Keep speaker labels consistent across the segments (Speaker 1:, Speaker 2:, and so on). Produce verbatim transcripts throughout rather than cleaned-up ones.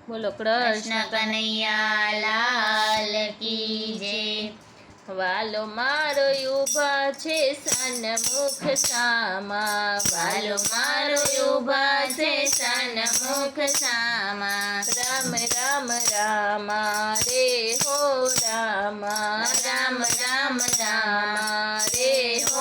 Speaker 1: બોલો કૃષ્ણ
Speaker 2: કનૈયા લાલ કી જય.
Speaker 1: વાલો મારો ઊભા છે સન્મુખ સામા,
Speaker 2: વાલો મારો ઊભા છે સન્મુખ સામા.
Speaker 1: રામ રામ રામા રે હો રામા,
Speaker 2: રામ રામ રામા રે હો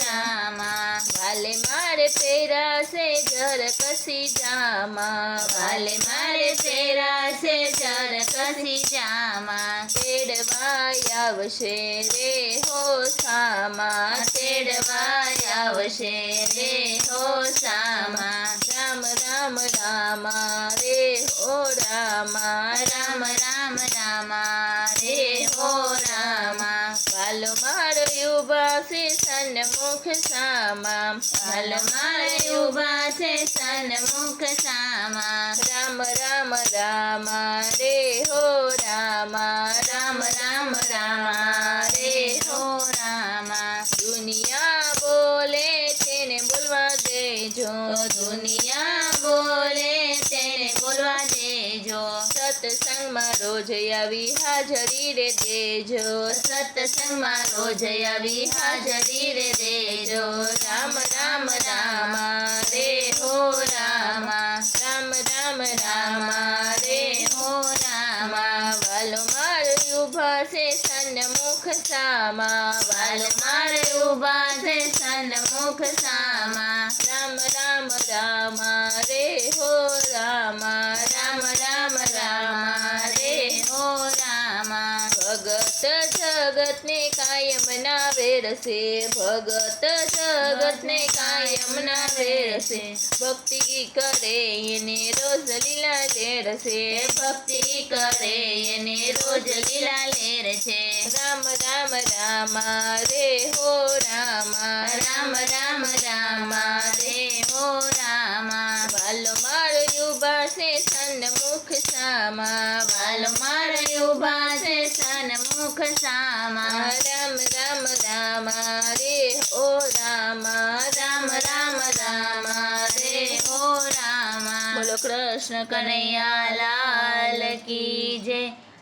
Speaker 2: રામા.
Speaker 1: વાલે મારે પહેરાશે જર કસી જામા,
Speaker 2: વાલે મારે પહેરાશે જર કસી જામા.
Speaker 1: તેડવાય આવશે રે હો સામા,
Speaker 2: તેડવાય આવશે રે હો સામા.
Speaker 1: રામ રામ રામા રે હો રામા,
Speaker 2: રામ રામ રામા રે હો રામા.
Speaker 1: વાલો મારો ઊભા છે સન્મુખ સામા,
Speaker 2: વાલો મારે ઊભા છે સન્મુખ સામા.
Speaker 1: રામ રામ રામા રે હો રામા,
Speaker 2: રામ રામ રામા રે હો રામા.
Speaker 1: દુનિયા બોલે તેને બોલવા દેજો,
Speaker 2: દુનિયા બોલે તેને બોલવા દેજો.
Speaker 1: સત્સંગમાં રોજ આવી હાજરી રે દેજો,
Speaker 2: સત્સંગમાં રોજ આવી હાજરી રે દેજો.
Speaker 1: રામ રામ રામા
Speaker 2: રે હો રામા.
Speaker 1: રામ રામ
Speaker 2: રામા રે હો રામા.
Speaker 1: વાલો મારો ઊભા છે સન્મુખ સામા,
Speaker 2: વાલો મારે ઊભા છે સન્મુખ સામા.
Speaker 1: રામ રામ રામા રે હો રામા,
Speaker 2: રામ રામ રામા રે હો રામા.
Speaker 1: ભગત જગતને કાયમ ના વેરશે, ભગત જગતને કાયમ ના વેરશે, ભક્તિ કરે એને રોજ લીલા લેરશે,
Speaker 2: ભક્તિ કરે એને રોજ લીલા લેર છે.
Speaker 1: રામ રામ રામા રે હો રામા,
Speaker 2: રામ રામ રામા રે હો રામા.
Speaker 1: વાલો મારો ઊભા છે સન્મુખ સામા,
Speaker 2: વાલો મારે ઊભા છે સન્મુખ સામા.
Speaker 1: રામ રામ રામા રે હો રામા,
Speaker 2: રામ રામ રામા રે હો રામા.
Speaker 1: બોલો કૃષ્ણ
Speaker 2: કનૈયા લાલ કી જય.